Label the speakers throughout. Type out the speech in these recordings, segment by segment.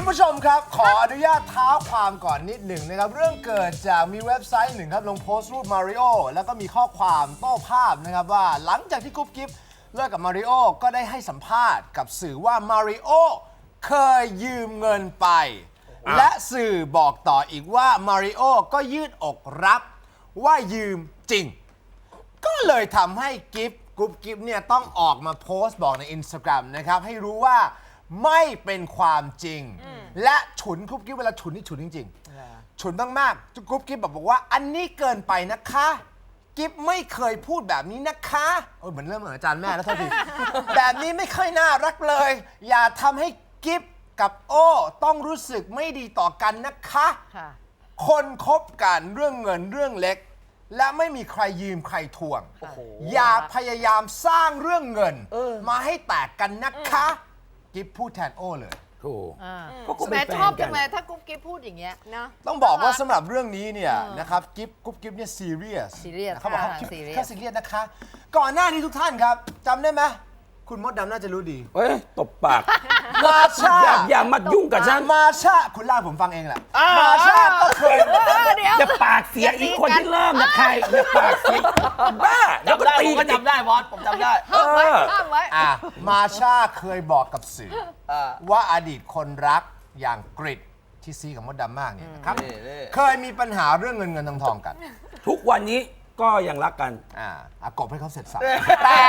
Speaker 1: ผู้ชมครับขออนุญาตเท้าความก่อนนิดหนึ่งนะครับเรื่องเกิดจากมีเว็บไซต์หนึ่งครับลงโพสต์รูปมาริโอแล้วก็มีข้อความโต้ภาพนะครับว่าหลังจากที่กุ๊บกิ๊บเลิกกับมาริโอก็ได้ให้สัมภาษณ์กับสื่อว่ามาริโอเคยยืมเงินไปและสื่อบอกต่ออีกว่ามาริโอก็ยืดอกรับว่ายืมจริงก็เลยทำให้กุ๊บกิ๊บเนี่ยต้องออกมาโพสต์บอกใน Instagram นะครับให้รู้ว่าไม่เป็นความจริงและฉุนกุ๊บกิ๊บเวลาฉุนนี่ฉุนจริงๆฉุนมากๆกุ๊บกิ๊บบอกว่าอันนี้เกินไปนะคะกิ๊บไม่เคยพูดแบบนี้นะคะเหมือนเริ่มเหมือนอาจารย์แม่แล้วโทษที แบบนี้ไม่ค่อยน่ารักเลยอย่าทำให้กิ๊บกับโอ้ต้องรู้สึกไม่ดีต่อกันนะคะคนคบกันเรื่องเงินเรื่องเล็กและไม่มีใครยืมใครทวงอย่าพยายามสร้างเรื่องเงินมาให้แตกกันนะคะกิ๊บพูดแทนโอ้เลย
Speaker 2: ถูก
Speaker 3: แม่ชอบจังเลยถ้ากุ๊บกิ๊บพูดอย่างเงี้ยนะ
Speaker 1: ต้องบอกว่าสำหรับเรื่องนี้เนี่ยนะครับกุ๊บกิ๊บเนี่ยซีเรียสเขาบอกเขาแค่ซีเรียสนะคะก่อนหน้านี้ทุกท่านครับจำได้ไหมคุณมดดำน่าจะรู้ดี
Speaker 2: เอ้ยตบปาก
Speaker 1: มาชา
Speaker 2: อย่ามายุ่งกับฉัน
Speaker 1: มาชาคุณเล่าผมฟังเองแหละมาชาก็เคย
Speaker 2: อย่าปากเสียอีกคนที่เริ่มนะใครอย่าปากเสียบ้า
Speaker 4: จำได้ผมก็จำได้บอสผมจำได้
Speaker 3: ห้ามไว้
Speaker 1: มาชาเคยบอกกับสื่อว่าอดีตคนรักอย่างกริดที่ซีกับมดดำมากเนี่ยนะครับเคยมีปัญหาเรื่องเงินทองกัน
Speaker 2: ทุกวันนี้ก็ยังรักกัน
Speaker 1: กบให้เขาเสร็จสับแต่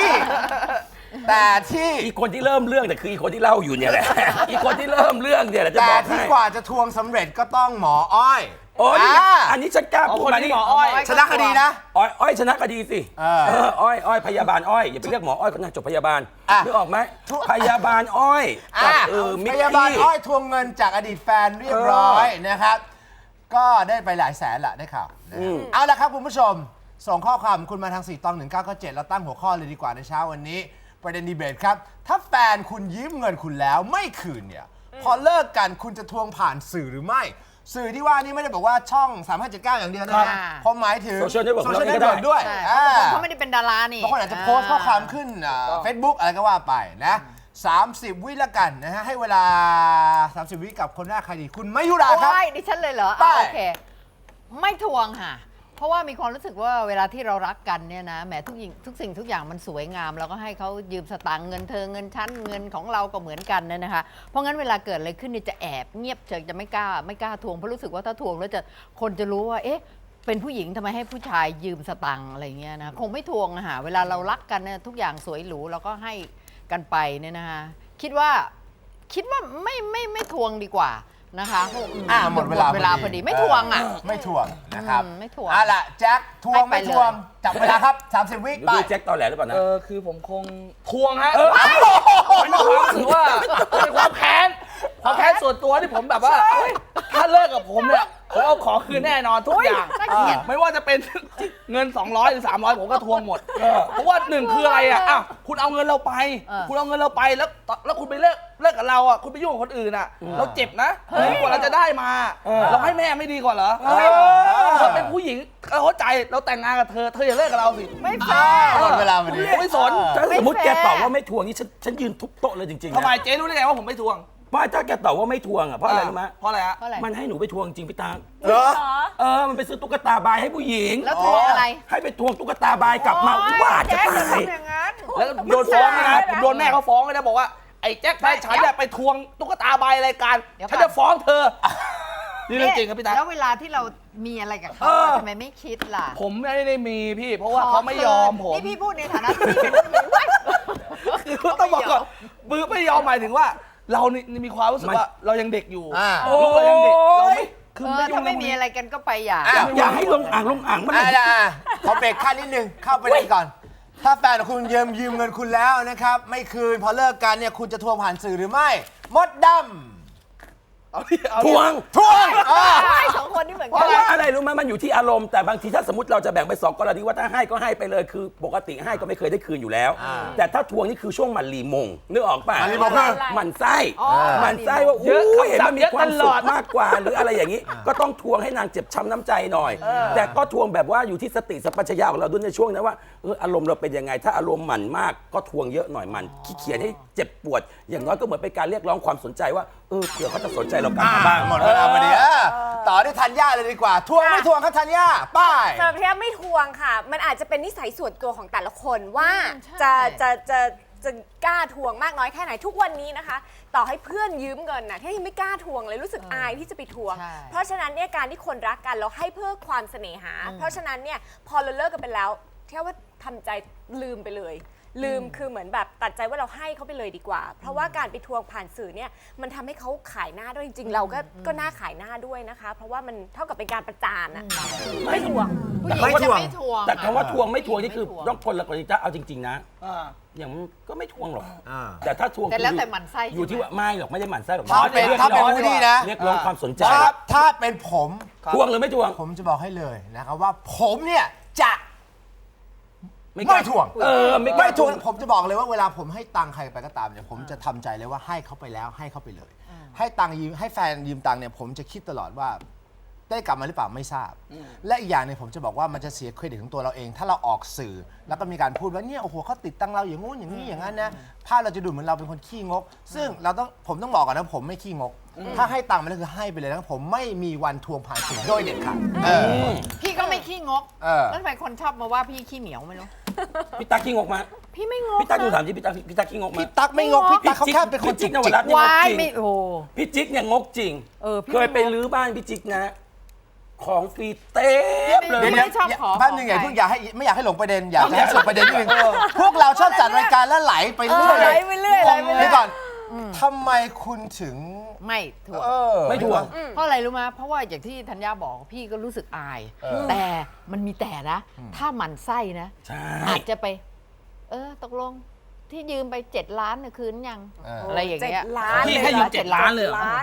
Speaker 1: ที่
Speaker 2: อีกคนที่เริ่มเรื่องแต่คืออีกคนที่เล่าอยู่เนี่ยแหละอีกคนที่เริ่มเรื่องเนี่ยแหละจะบอก
Speaker 1: แต่ที่กว่าจะทวงสำเร็จก็ต้องหมออ้อย
Speaker 2: โอ้ยอันนี้ฉันกล้าพูดมานี่
Speaker 4: หมออ้อย
Speaker 1: ชนะคดีนะ
Speaker 2: อ้อยชนะคดีสิอ้อยพยาบาลอ้อยอย่าไปเรียกหมออ้อยคนนั้นจบพยาบาลนึกออกไหมพยาบาลอ้อยกับมิกกี้
Speaker 1: พยาบาลอ้อยทวงเงินจากอดีตแฟนเรียบร้อยนะครับก็ได้ไปหลายแสนละได้ข่าวเอาละครับคุณผู้ชมส่งข้อความคุณมาทาง4ตอง1997แล้วตั้งหัวข้อเลยดีกว่าในเช้าวันนี้ประเด็นดีเบตครับถ้าแฟนคุณยืมเงินคุณแล้วไม่คืนเนี่ยพอเลิกกันคุณจะทวงผ่านสื่อหรือไม่สื่อที่ว่านี่ไม่ได้บอกว่าช่อง3579อย่างเดียวนะเพราะหมายถึง
Speaker 2: โซเชียลเน็ตเวิร์ก
Speaker 1: ด้วย
Speaker 3: เขาไม่ได้เป็นดารานี่
Speaker 1: บางคนอาจจะโพสต์ข้อความขึ้นFacebook อะไรก็ว่าไปนะ30 วิละกันนะฮะให้เวลา30 วิกับคนแรกใครดีคุณมายุราครับ
Speaker 3: ดิฉันเลยเหรอโอเคไม่ทวงค่ะเพราะว่ามีความรู้สึกว่าเวลาที่เรารักกันเนี่ยนะแหมทุกสิ่งทุกอย่างมันสวยงามเราก็ให้เขายืมสตางค์เงินเธอเงินชั้นเงินของเราก็เหมือนกันเนี่ยนะคะเพราะงั้นเวลาเกิดอะไรขึ้นนี่จะแอบเงียบเฉยจะไม่กล้าทวงเพราะรู้สึกว่าถ้าทวงแล้วคนจะรู้ว่าเอ๊ะเป็นผู้หญิงทำไมให้ผู้ชายยืมสตางค์อะไรเงี้ยนะคงไม่ทวงนะคะเวลาเรารักกันเนี่ยทุกอย่างสวยหรูเราก็ให้กันไปเนี่ยนะคะคิดว่าไม่ทวงดีกว่านะคะ
Speaker 1: หมดเวลา
Speaker 3: พอดีไม่ทวง
Speaker 1: ไม่ทวงนะครับ
Speaker 3: ไม่ทวง
Speaker 1: ล่ะแจ็คทวงไม่ทวงจับเวลาครับ30 วิไป
Speaker 2: แจ็คตอนแหลหรือเปล่านะ
Speaker 4: คือผมคงทวงฮะมันมีความรู้สึกว่าเป็นความแค้นส่วนตัวที่ผมแบบว่าถ้าเลิกกับผมเนี่ยผมเอาของคืนแน่นอนทุกอย่างไม่ว่าจะเป็นเงิน200หรือ300ผมก็ทวงหมดเพราะว่าหนึ่งคืออะไรคุณเอาเงินเราไปแล้วคุณไปเลิกกับเราคุณไปยุ่งกับคนอื่นเราเจ็บนะกว่าเราจะได้มาเราให้แม่ไม่ดีกว่าเหรอเธอเป็นผู้หญิงเข้าใจเราแต่งงานกับเธออย่าเลิกกับเราสิ
Speaker 3: ไม่แฟร์
Speaker 1: หมดเวลาพอดี
Speaker 4: ไม่สน
Speaker 2: สมมติแกตอบว่าไม่ทวงนี่ฉันยืนทุบโต๊ะเลยจริงๆ
Speaker 4: ทำไมเจ๊รู้ได้ไงว่าผมไม่ทวง
Speaker 2: ไม่ถ้าแกตอบว่าไม่ทวงเพราะอะไรรู้ไหม
Speaker 4: เพราะอะไร
Speaker 2: มันให้หนูไปทวงจริงพี่ตา
Speaker 1: เหรอ
Speaker 2: มันไปซื้อตุ๊กตาบายให้ผู้หญิง
Speaker 3: แล้วทวงอะไร
Speaker 2: ให้ไปทวงตุ๊กตาบายกลับมาว่าจะตาย
Speaker 4: แล้วโดนฟ้องนะผมโดนแม่เขาฟ้องเลยนะบอกว่าไอ้แจ็คแฟนฉันเนี่ยไปทวงตุ๊กตาบายรายการฉันจะฟ้องเธอนี่เรื่องจริงครับพี่ตา
Speaker 3: แล้วเวลาที่เรามีอะไรกับเขาทำไมไม่คิดล่ะ
Speaker 4: ผมไม่ได้มีพี่เพราะว่าเขาไม่ยอมผม
Speaker 3: นี่พี่พูดในฐานะที่เป็นคือ
Speaker 4: ต้องบอกก่อนไม่ยอมหมายถึงว่าเรามีความรู้สึกว่าเรายังเด็กอยู่ลูกเรายังเด็กเราไม่
Speaker 3: คือถ้าไม่มีอะไรกันก็ไป
Speaker 2: อย่าให้ลงอ่างมัน
Speaker 1: ขอเบรกขั้นนิดนึงเข้าไปเลยก่อนถ้าแฟนของคุณยืมเงินคุณแล้วนะครับไม่คืนพอเลิกกันเนี่ยคุณจะทวงผ่านสื่อหรือไม่มดดำ
Speaker 2: ทวง
Speaker 3: ใช่สองคนนี่เหมือน
Speaker 2: เพ
Speaker 3: กั
Speaker 2: ราะว่าอะไรรู้ไหมมันอยู่ที่อารมณ์แต่บางทีถ้าสมมติเราจะแบ่งไปสองกรณีว่าถ้าให้ก็ให้ไปเลยคือปกติให้ก็ไม่เคยได้คืนอยู่แล้ว แต่ถ้าทวงนี่คือช่วงมันรีมงนึกออกป่ะ
Speaker 1: มันรีมงคือ
Speaker 2: มันไส้
Speaker 3: อ๋อ
Speaker 2: มันไส้ว่า
Speaker 4: เยอะ
Speaker 2: อู้เห็นมันมี
Speaker 4: เยอะ
Speaker 2: ความ
Speaker 4: ตล
Speaker 2: สุ
Speaker 4: อ
Speaker 2: ข
Speaker 4: ด
Speaker 2: มากกว่าหรืออะไรอย่างนี้ ก็ต้องทวงให้นางเจ็บช้ำน้ำใจหน่อย แต่ก็ทวงแบบว่าอยู่ที่สติสัมปชัญญะของเราด้วยในช่วงนั้นว่าอารมณ์เราเป็นยังไงถ้าอารมณ์หมั่นมากก็ทวงเยอะหน่อยมันขี้เกียจให้เจ็บปวด อย่างน้อยก็เหมือนเป็นการเรียกร้องความสนใจว่าเผื่อเขาจะสนใจเรากลับมาบ้าง
Speaker 1: หมดเวลาพอดีต่อที่ธัญญาเลยดีกว่า ทวงไม่ทวงครับธัญญาป้าย
Speaker 5: สำหรับพี่แอฟไม่ทวงค่ะ มันอาจจะเป็นนิสัยส่วนตัวของแต่ละคนว่า
Speaker 3: ใช่
Speaker 5: จะกล้าทวงมากน้อยแค่ไหนทุกวันนี้นะคะ ต่อให้เพื่อนยืมเงินนะที่ยังไม่กล้าทวงเลยรู้สึกอายที่จะไปทวง
Speaker 3: ใช่
Speaker 5: เพราะฉะนั้นเนี่ยการที่คนรักกันเราให้เพื่อความเสน่หา เพราะฉะนั้นเนี่ยพอเราเลิกกันไปแล้วเท่าว่าทำใจลืมไปเลย ลืมคือเหมือนแบบตัดใจว่าเราให้เขาไปเลยดีกว่า เพราะว่าการไปทวงผ่านสื่อเนี่ยมันทำให้เขาขายหน้าด้วยจริงๆ เราก็น่าขายหน้าด้วยนะคะ เพราะว่ามันเท่ากับเป็นการประจานอะไม่ทวง
Speaker 3: ผู้หญิง
Speaker 1: ไม่
Speaker 3: จะ
Speaker 1: ทวง
Speaker 3: ไม่ทวง
Speaker 2: แต่คำว่าทวงไม่ทวงนี่คือ
Speaker 3: ไม่ทวง
Speaker 2: ต้องคนละกรณีจะเอาจริงๆนะ
Speaker 4: อ่า
Speaker 2: อย่างมันก็ไม่ทวงหรอก
Speaker 1: อ่า
Speaker 2: แต่ถ้าทวง
Speaker 3: แต่แล้ว
Speaker 2: คือ
Speaker 3: แต่หมั่นไส้
Speaker 2: อยู่ที่
Speaker 3: ใช่ไหม
Speaker 2: ว่าไม่หรอกไม่ได้หมั่นไส้หรอก
Speaker 1: ถ้าเป็น
Speaker 2: รียก
Speaker 1: ถ้าเป็น
Speaker 2: ร้อง
Speaker 1: วูดดี้นะ
Speaker 2: เรียกร้องความสนใจ
Speaker 1: ถ้าเป็นผม
Speaker 2: ทวงหรือไม่ทวง
Speaker 1: ผมจะบอกให้เลยนะครับว่าผมเนี่ยจะ
Speaker 2: กล้า
Speaker 1: ไม่ทวง
Speaker 2: ไม่ก
Speaker 1: ไม่
Speaker 2: ล้า
Speaker 1: ทวงผมจะบอกเลยว่าเวลาผมให้ตังค์ใครไปก็ตามเนี่ยผมจะทำใจเลยว่าให้เขาไปแล้วให้เขาไปเลย ให้ตังค์ยืมให้แฟนยืมตังค์เนี่ยผมจะคิดตลอดว่า ได้กลับมาหรือเปล่าไม่ทราบ และอีกอย่างหนึงผมจะบอกว่ามันจะเสียเครดิตของตัวเราเอง ถ้าเราออกสื่อ แล้วก็มีการพูดว่าเนี่ยโอ้โหเขาติดตังเราอย่างงู้นอย่างนี้อย่างนั้นนะภาพเราจะดูเหมือนเราเป็นคนขี้งก ซึ่งผมต้องบอกก่อนนะผมไม่ขี้งก ถ้าให้ตังค์มันก็คือให้ไปเลยนะผมไม่มีวันทวงผ่านสื่อโดยเด็ดขาด
Speaker 3: พี่ก็ไม่ขี้งก แล้วทำไมคนชอบมาว่าพี่ขี้เหนียวไม่รู้
Speaker 2: พี่ตั๊กขี้งกมา
Speaker 3: พี่ไม่งก
Speaker 2: พี่ตั๊กดูถามที่พี่ตั๊กขี้งกมา
Speaker 1: พี่ตั๊กไม่งกพี่ตั๊กเขาแค่เป็นคน
Speaker 2: พี่จิ๊
Speaker 1: จิ
Speaker 2: ก
Speaker 1: ก
Speaker 2: นวรัตน์เนี่ย
Speaker 3: วาง ย
Speaker 2: กจริง
Speaker 3: ไม่โอ้
Speaker 2: พี่จิ๊กเนี่ยงกจริง
Speaker 3: พี่
Speaker 2: เคยไป
Speaker 3: ม่งก
Speaker 2: รื้อบ้านพี่จิ๊กนะ ของฟรีเต็มเลย
Speaker 3: เดี๋ยว ไม่ชอบขอ
Speaker 1: แป๊บนึง
Speaker 3: ของ
Speaker 1: เพิ่ง
Speaker 3: ใคร
Speaker 1: ไม่อยากให้หลงประเด็นอยากจะให้สุดประเด็นนิดนึงพวกเราชอบจัดรายการแล้วไหลไปเรื่อย
Speaker 5: ไหลไปเรื่อยไหลไปเรื่อย
Speaker 1: เดี๋ยวก่อนทำไมคุณถึง
Speaker 3: ไม่ทวง
Speaker 2: ไม่ทวง
Speaker 3: เพราะอะไรรู้ไหมเพราะว่าอย่างที่ธัญญาบอกพี่ก็รู้สึกอาย แต่มันมีแต่นะ ถ้าหมันไส้นะ
Speaker 2: ใช่
Speaker 3: อาจจะไป ตกลงที่ยืมไป7 ล้านเนี่ยคืนยัง อะไรอย่าง
Speaker 5: เจ็ด
Speaker 3: เงี้ย
Speaker 5: ล้าน
Speaker 4: พี่ให้ยืม7 ล้านเลยเหรอ
Speaker 5: ล้าน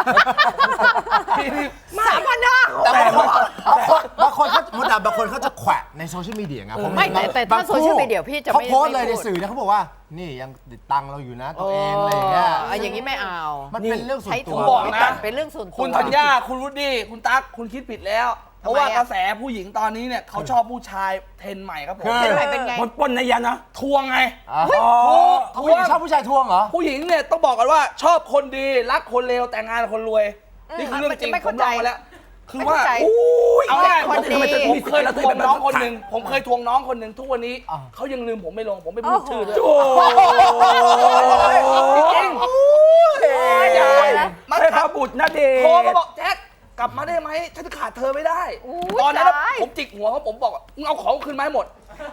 Speaker 1: แต่บางคนเขามดดำบางคนเขาจะแขวะในโซเชียลมีเดียไงผม
Speaker 3: ไม่แต่ถ้า
Speaker 1: บง
Speaker 3: โซเชียลมีเดียพี่จะ
Speaker 1: เขา
Speaker 3: ไม่
Speaker 1: โพสต์เลย
Speaker 3: ไม่
Speaker 1: ใน
Speaker 3: พูด
Speaker 1: สื่อนะเขาบอกว่า นี่ยังติดตังค์เราอยู่นะตัวเองอะไรอย่างเงี้ย
Speaker 3: อย่างนี้ไม่เอา
Speaker 1: มันเป็นเรื่องส่วน
Speaker 3: ใช้
Speaker 1: ตั
Speaker 3: ถุ
Speaker 1: ว
Speaker 3: ง
Speaker 4: บอก
Speaker 3: ไม่
Speaker 4: นะ
Speaker 3: ตัดเป็นเรื่องส่วนตัว
Speaker 4: คุณธัญญาคุณวุฒิคุณตั๊กคุณคิดผิดแล้ว เพราะว่ากระแสผู้หญิงตอนนี้เนี่ยเขาชอบผู้ชายเทรนด์ใหม่ครับผม
Speaker 3: เป็นไงเป็นไง
Speaker 2: ปนในยานะ
Speaker 4: ทวงไง
Speaker 1: ผู้หญิงชอบผู้ชายทวงเหรอ
Speaker 4: ผู้หญิงเนี่ยต้องบอกกันว่าชอบคนดีรักคนเลวแต่งงานกับคนรวย นี่คือเรื่องจริง
Speaker 3: ไม่
Speaker 4: ผ
Speaker 3: เข้าม ใจ
Speaker 4: ลองมาแล้ว คือว่า
Speaker 3: ไม่เข้าใจ
Speaker 4: เอาง่าย
Speaker 3: คนดี
Speaker 4: ผมเคยทวงน้องคนหนึ่งผมเคยทวงน้องคนหนึ่งทุกวันนี้เขายังลืมผมไม่ลงผมไม่พูดชื่อด้วย
Speaker 2: โอ้
Speaker 4: จริงมัน
Speaker 2: ให้พระบุตรนะเดช
Speaker 4: โทรมาบอกแจ็คกลับมาได้ไหมฉันจะขาดเธอไม่ได้ ตอนนั้นผมจิกหัวเขาผมบอกว่ามึงเอาของคืนมาให้หมด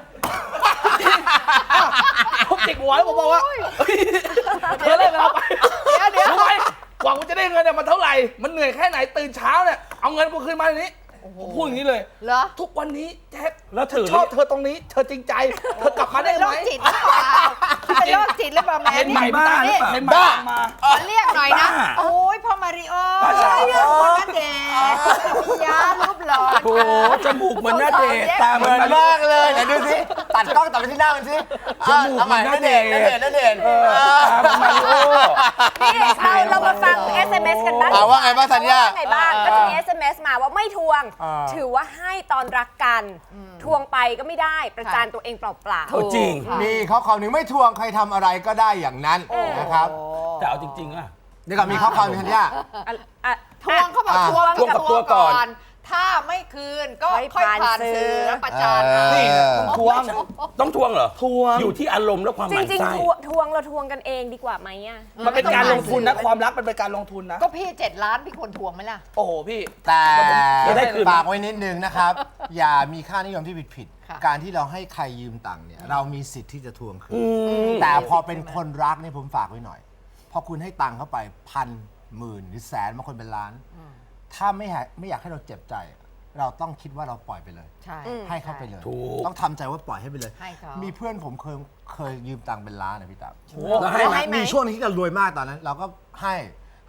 Speaker 4: ผมจิกหัวแล้วผมบอกว่าเธอเลิกแล้วไป
Speaker 3: เดี๋ยว
Speaker 4: รู้ไหมกว่ากูจะได้เงินเนี่ยมันเท่าไหร่มันเหนื่อยแค่ไหนตื่นเช้าเนี่ยเอาเงินกูคืนมาอย่างนี้ผมพูดอย่างนี้เลย
Speaker 3: เหรอ
Speaker 4: ทุกวันนี้แจ็ค
Speaker 2: แล้วถือ
Speaker 4: ชอบเธอตรงนี้เธอจริงใจเธอกลับมาได้
Speaker 3: เป็นโร
Speaker 4: ไหม
Speaker 3: คจิตหรือเปล่าเป็นโรคจิตหรือเปล่าแม่
Speaker 4: เห็นใหม่บ้า
Speaker 3: นี่
Speaker 4: เห็นใหม่มา
Speaker 3: ขอเรียกหน่อยนะ
Speaker 2: บ้า
Speaker 3: โอ้ยพ่อมาริโอ
Speaker 2: ใช่
Speaker 3: เรียกคนนั้นเด็กพิยารูปหล่อ
Speaker 2: โหจมูกเหมือนหน้าเดชตาเห
Speaker 1: เห
Speaker 2: มื
Speaker 1: มื
Speaker 2: อ
Speaker 1: อน น
Speaker 2: มาม
Speaker 1: ากเลยไหนดูสิตัดกล้องตัดไปที่หน้ามันสิ
Speaker 2: จมูก
Speaker 1: เอาใหม่
Speaker 2: มัน
Speaker 1: นั่นเด่น
Speaker 2: น่า
Speaker 1: นั่น
Speaker 2: เด่
Speaker 1: เด่
Speaker 2: น
Speaker 1: นนั่นเด่น
Speaker 2: ตาเหมือนมาริโอ
Speaker 5: นี่เรามาฟัง SMS กันบ้าง
Speaker 1: ว่าไงบ้างธัญญา
Speaker 5: ว่าไงบ้างก็จะมี SMS มาว่าไม่ทวง ถือว่าให้ตอนรักกัน ทวงไปก็ไม่ได้ประจานตัวเองเปล่า
Speaker 2: เอาจริง
Speaker 3: ค่ะ
Speaker 1: มีข้อความหนึ่งไม่ทวงใครทำอะไรก็ได้อย่างนั้นนะครับ
Speaker 2: แต่เอาจริงๆอะ
Speaker 1: เดี๋ยวก่อนมีข้อความหนึงธัญญา
Speaker 5: ๆ
Speaker 3: ทวงเขาบอกทวง
Speaker 2: ทวงกับตัวก่อน
Speaker 3: ถ้าไม่คืนก็
Speaker 5: ค่
Speaker 3: ค่
Speaker 5: อ
Speaker 3: อย ย
Speaker 5: ผ่า
Speaker 3: ผ่าน น
Speaker 5: สื่
Speaker 3: สื่
Speaker 5: อ
Speaker 3: อแล้วประจาน
Speaker 4: นี่ทวง
Speaker 2: ต้องทวงเหรอ
Speaker 4: ทวง
Speaker 2: อยู่ที่อารมณ์และความห
Speaker 5: จ
Speaker 2: มั่น
Speaker 5: ริง
Speaker 2: ไส้
Speaker 5: ๆทวงเราทวงกันเองดีกว่าไหมอ่ะ
Speaker 4: มันเป็นการลงทุนนะความรักมันเป็นการลงทุนนะ
Speaker 3: ก็พี่7 ล้านพี่ควรทวงไหมล่ะ
Speaker 4: โอ้โหพี่
Speaker 1: แต่
Speaker 2: จะได้คืน
Speaker 1: ฝากไว้นิดนึงนะครับ อย่ามีค่านิยมที่ผิด
Speaker 3: ค่ะ
Speaker 1: การที่เราให้ใครยืมตังค์เนี่ยเรามีสิทธิ์ที่จะทวงคืนแต่พอเป็นคนรักเนี่ยผมฝากไว้หน่อย พอคุณให้ตังค์เข้าไปพันหมื่นหรือแสนบางคนเป็นล้าน ถ้าไม่อยากให้เราเจ็บใจ เราต้องคิดว่าเราปล่อยไปเลย
Speaker 3: ใช่
Speaker 1: ให้เขาไปเลย
Speaker 2: ถูก
Speaker 1: ต้องทำใจว่าปล่อยให้ไปเลย
Speaker 3: ให้เขา
Speaker 1: มีเพื่อนผมเคยยืมตังค์เป็นล้านนะพี่ตา
Speaker 2: แล้วให้ไหม
Speaker 3: ให้ไหม
Speaker 1: มีช่วงที่เรารวยมากตอนนั้น เราก็ให้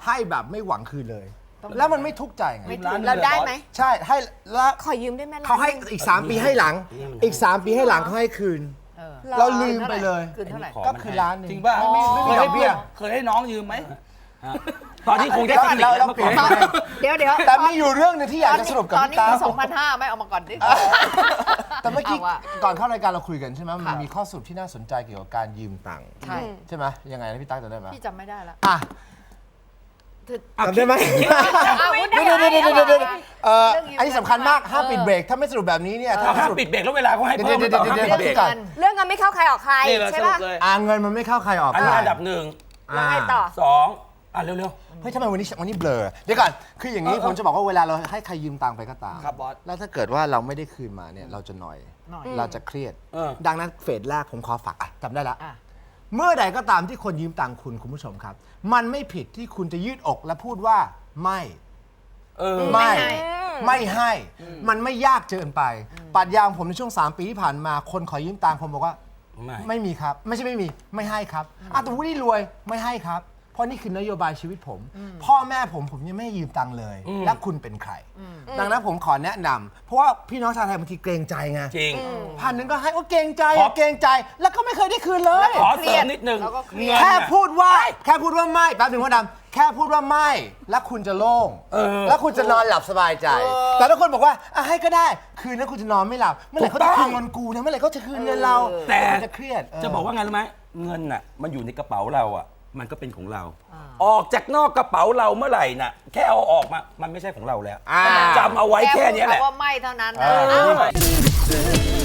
Speaker 1: ให้แบบไม่หวังคืนเลย แล้วมันไม่ทุกข์ใจไง
Speaker 3: ไม่ถูก
Speaker 5: เราได้ไหม
Speaker 1: ใช่ให้แล้ว
Speaker 5: ขอยืมได้ไหม
Speaker 1: เขาให้อีก 3 ปีให้หลัง อีก 3 ปีให้หลังเขาให้คืน เราลืมไปเลย
Speaker 3: คืนเท่าไหร่
Speaker 1: ก็คือล้านหนึง
Speaker 4: จริงป่ะ
Speaker 1: ไม่มีดอกเบี้ย
Speaker 4: เคยให้น้องยืมไหม
Speaker 2: ตอนนี้คงได้เทคนิค
Speaker 1: เรา
Speaker 2: แล้วเมื่อก่อน
Speaker 1: เปลี่ยน
Speaker 3: เดี๋ยว
Speaker 1: แต่มีอยู่เรื่องหนึงที่อยากจะสรุปกับ
Speaker 3: ตอน
Speaker 1: พี่
Speaker 3: นี้
Speaker 1: ตา
Speaker 3: มี2,500ไม่เอามาก่อนดิ
Speaker 1: แต่เมื่อกี้
Speaker 3: เอาอะ
Speaker 1: ก่อนเข้ารายการเราคุยกันใช่ไหมมันมีข้อสรุปที่น่าสนใจเกี่ยวกับการยืมตังค์
Speaker 3: ใช่
Speaker 1: ใช่ไหมยังไงนะพี่ตั๊กจำได้ไหม
Speaker 3: พี่จำไม่ได้ละ
Speaker 1: อ่ะจำได้ไหม
Speaker 5: ไม่ได้
Speaker 1: เดี๋ยว
Speaker 3: เรื่องยืม
Speaker 1: อันนี้สำคัญมากห้ามปิดเบรกถ้าไม่สรุปแบบนี้เนี่ยถ้า
Speaker 2: ห้าม
Speaker 1: สรุป
Speaker 2: ปิดเบรกแล้วเวลาเขาให้เพิ่มหรือเปล่าห้ามปิดเบรก
Speaker 1: ก่อน
Speaker 5: เรื่องเงินไม่เข้าใครออกใคร
Speaker 4: นี่เราส
Speaker 5: ใช่
Speaker 4: รุป
Speaker 5: ป่ะ
Speaker 4: เลย
Speaker 1: เงินมันไม่เข้าใครออก
Speaker 2: อันนี้
Speaker 1: ใคร
Speaker 2: อันดับหนึ่ง
Speaker 5: แล้วไงต่อ
Speaker 2: สองเร็ว
Speaker 1: เฮ้ยทำไมวันนี้เบลอเดี๋ยวก่อนคืออย่างนี้ผมจะบอกว่าเวลาเราให้ใครยืมตังค์ไปก็ตาม
Speaker 4: ครับบอส
Speaker 1: แล้วถ้าเกิดว่าเราไม่ได้คืนมาเนี่ยเราจะหน่อย
Speaker 3: หน่อย
Speaker 1: เราจะเครียด
Speaker 2: เออ
Speaker 1: ดังนั้นเฟสแรกผมขอฝากจำได้ละ
Speaker 3: อ่ะ
Speaker 1: เมื่อใดก็ตามที่คนยืมตังค์คุณผู้ชมครับ มันไม่ผิดที่คุณจะยืดอกและพูดว่าไม่
Speaker 2: เออ
Speaker 1: ไม่
Speaker 3: ให้
Speaker 1: ไม่ให้ มันไม่ยากเกินไปปรัชญาของผมในช่วง 3 ปีที่ผ่านมาคนขอยืมตังค์ผมบอกว่า
Speaker 2: ไม่
Speaker 1: ไม่มีครับ ไม่ใช่ไม่มีไม่ให้ครับแต่วุฒิรวยไม่ให้ครับ เพราะนี่คือนโยบายชีวิตผม พ่อแม่ผมยังไม่ให้ยืมตังค์เลย และคุณเป็นใคร ดังนั้นผมขอแนะนำเพราะว่าพี่น้องชาวไทยบางทีเกรงใจไง
Speaker 2: จริง
Speaker 1: 1,000ก็ให้โอ้เกรงใจ
Speaker 2: ขอ
Speaker 1: เกรงใจ แล้วก็ไม่เคยได้คืนเลย
Speaker 2: ขอเสริมนิดนึง
Speaker 3: แล้วก็เครียด
Speaker 2: เงิน
Speaker 1: แค่
Speaker 2: น่ะ
Speaker 1: พูดว่าไม่แป๊บหนึงพ่อดำแค่พูดว่าไม่แล้วคุณจะโล่ง แล้วคุณจะนอนหลับสบายใจ แต่ถ้าคนบอกว่าให้ก็ได้คืนนั้นคุณจะนอนไม่หลับเมื่อไหร่เขาจะคืนเงินกูนะเมื่อไหร่เขาจะคืนเงินเรา
Speaker 2: แต่
Speaker 1: คุณจะเครียด
Speaker 2: จะบอกว่าไงรู้ไหมเงินน่ะมันอยู่ในกระเป๋าเราอ่ะมันก็เป็นของเรา ออกจากนอกกระเป๋าเราเมื่อไหร่น่ะแค่เอาออกมามันไม่ใช่ของเราแล้วจำเอาไว้แค่เนี้ยแหละ
Speaker 3: พูดคำว่าไม่เท่านั้นนะ
Speaker 1: เออ
Speaker 3: อ้าว